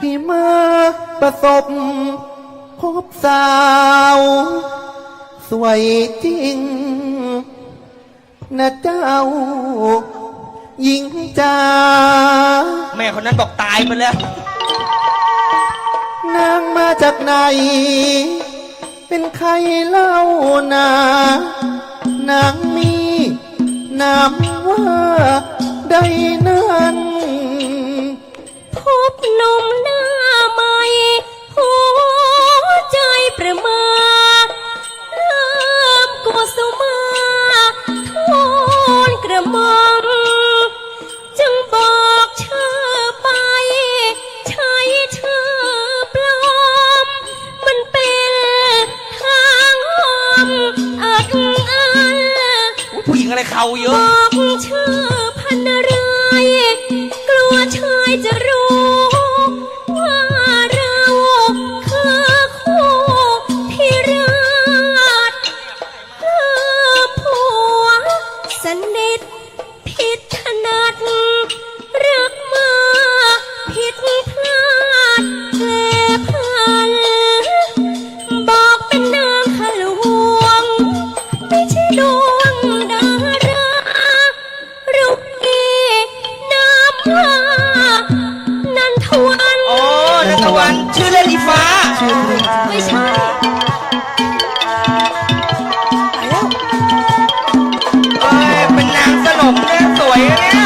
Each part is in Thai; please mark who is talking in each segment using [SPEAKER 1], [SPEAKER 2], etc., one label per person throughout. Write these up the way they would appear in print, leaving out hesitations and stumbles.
[SPEAKER 1] พี่มาประสบพบสาวสวยจริงนะเจ้าหญิงจ๋า
[SPEAKER 2] แม่คนนั้นบอกตายไปแล้ว
[SPEAKER 1] นางมาจากไหนเป็นใครเล่านานางมีนามว่าใดนั้น
[SPEAKER 3] พบหนุ่มหน้าใหม่หัวใจประมาเริ่มกุสุมาทูลกระหม่อมจึงบอกชื่อไปใช้ชื่อปลอมมันเป็นทางหอมอักอัน
[SPEAKER 2] ผู้หญิงอะไรเขาเย
[SPEAKER 3] บ
[SPEAKER 2] อะ
[SPEAKER 3] อกชื่อพันอะไรกลัวชายจะรู้ว่าเราคือคู่ที่รักคือผัวสนิทผิดถนัดรักมาผิดพลาดแลพันบอกเป็นนางขลวงไม่ใช่ดวงดารารุกกีน้ำว่านันทวัน
[SPEAKER 2] อ๋อนันทวันชื่อเล่นอีฟ้า
[SPEAKER 3] ไม่ใช่
[SPEAKER 2] เอ้ยเป็นนางสนมเนี่ยสวยนะเนี่ย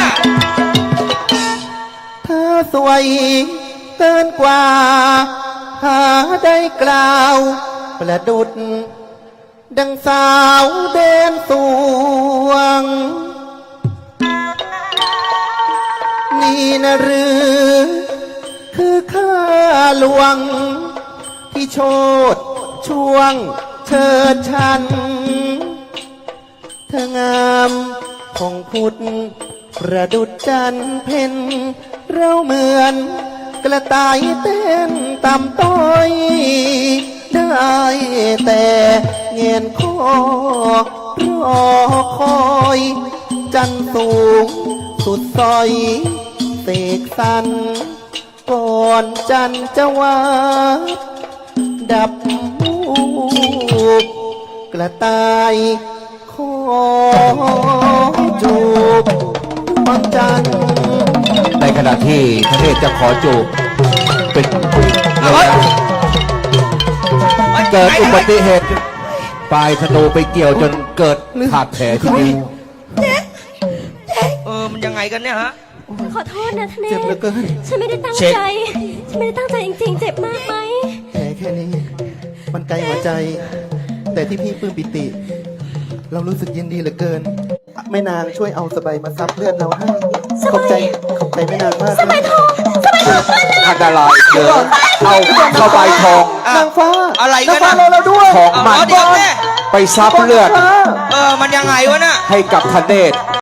[SPEAKER 1] เธอสวยเกินกว่าหาได้กล่าวประดุจดังสาวเด่นสวงนี่นะหรือคือข้าหลวงที่โชดช่วงเชิดชันเธองามของพุทธประดุจจันทร์เพ็ญเราเหมือนกระต่ายเต้นต่ำต้อยได้แต่เงียนคอรอคอยจันสูงสุดซอยเสกสันก่อนจันจะว่าดับมูกกระต่ายขอจูบดวงจันทร์
[SPEAKER 4] ในขณะที่พระเทพจะขอจูบเป็นระยะเกิดอุบัติเหตุปลายธนูไปเกี่ยวจนเกิดขาดแผลที่นิ้ว
[SPEAKER 2] มันยังไงกันเนี่ยฮะ
[SPEAKER 3] ขอโทษนะทนาย
[SPEAKER 1] เจ็บเหลือเกิน
[SPEAKER 3] ฉันไม่ได้ตั้งใจฉันไม่ได้ตั้งใจจริงๆเจ็บมากไหม
[SPEAKER 1] แผลแค่นี้มันไกลหัวใจแต่ที่พี่ปลื้มปิติเรารู้สึกยินดีเหลือเกินแม่นางช่วยเอาสบายมาซับเลือดเราให้ขอบใจแม่นางมาก
[SPEAKER 3] สบายทอง
[SPEAKER 4] อันตรายเกินเอาสบายทอง
[SPEAKER 1] นางฟ้า
[SPEAKER 2] อะไรกัน
[SPEAKER 1] นะเราด้วย
[SPEAKER 4] ของมันไปซับเลือด
[SPEAKER 2] มันยังไงวะน่ะ
[SPEAKER 4] ให้กับทเนศ